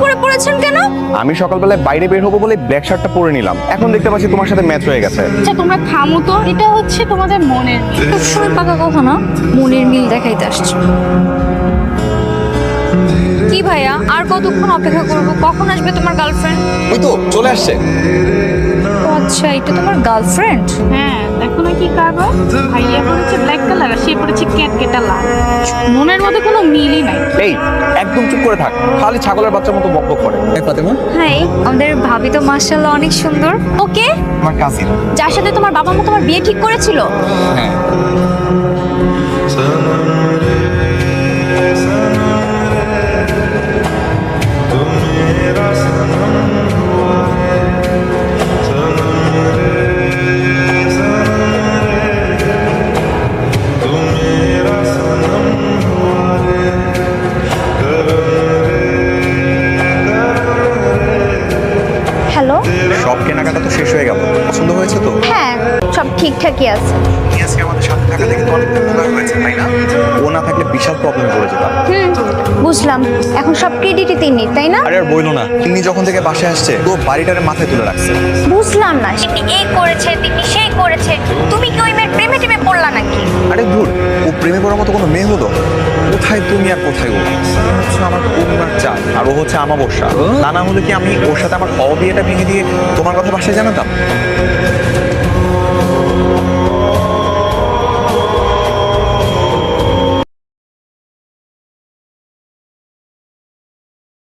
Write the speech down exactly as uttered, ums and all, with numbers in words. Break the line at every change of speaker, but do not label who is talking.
করে পড়েছেন কেন?
আমি সকালবেলায় বাইরে বের হবো বলে ব্ল্যাক শার্টটা পরে নিলাম, এখন দেখতে পাচ্ছি তোমার সাথে ম্যাচ হয়ে গেছে।
আচ্ছা তোমরা থামো তো, এটা হচ্ছে তোমাদের মনের মিল। সবসময় পাকা কথা না, মনের মিল দেখাইতে আসছো। কি ভাইয়া, আর কতক্ষণ অপেক্ষা করবো? কখন আসবে তোমার গার্লফ্রেন্ড?
ওই তো চলে আসছে।
আচ্ছা, এটা তোমার গার্লফ্রেন্ড?
হ্যাঁ দেখো না কি কারবার, ভাইয়া পড়েছে ব্ল্যাক কালার আর সে পড়েছে ক্যাট কেটা লাল। মনের মধ্যে কোনো মিলই নাই।
এই একদম চুপ করে থাক, খালি ছাগলের বাচ্চার মতো বকবক করে। ফাতেমা
হাই, আমাদের ভাবি তো মাশাআল্লাহ অনেক সুন্দর। ওকে,
আমার কাজিন।
যার সাথে তোমার বাবা মা তোমার বিয়ে ঠিক করেছিল?
হ্যাঁ।
হ্যালো।
সব কেনাকাটা তো শেষ হয়ে গেল, পছন্দ হয়েছে তো?
হ্যাঁ, সব ঠিকঠাকই আছে।
তুমি আজকে আমাদের সাথে থাকা দেখে তো অনেক উপকার হয়েছে, তাই না? ও না থাকলে বিশাল প্রবলেমে পড়ে যেতাম।
হুম, বুঝলাম। এখন সব ক্রেডিটই তিনি, তাই না?
আরে আর বইলো না, তিনি যখন থেকে বাসায় আসছে তো বাড়িটারে মাথায় তুলে রাখছে।
বুঝলাম না, তিনি এই করেছে, তিনি সেই করেছে। তুমি কি ওই মেয়ের প্রেমে টেমে পড়লা নাকি?
আরে ধুর, ও প্রেমে পড়ার মতো কোনো মেয়ে হলো? কোথায় তুমি আর কোথায় ও? তুমি হচ্ছে আমার করুণার চাঁদ আর ও হচ্ছে আমাবস্যা। তা না হলে কি আমি ওর সাথে আমার অবিয়েটা ভেঙে দিয়ে তোমার কথা বাসায় জানাতাম?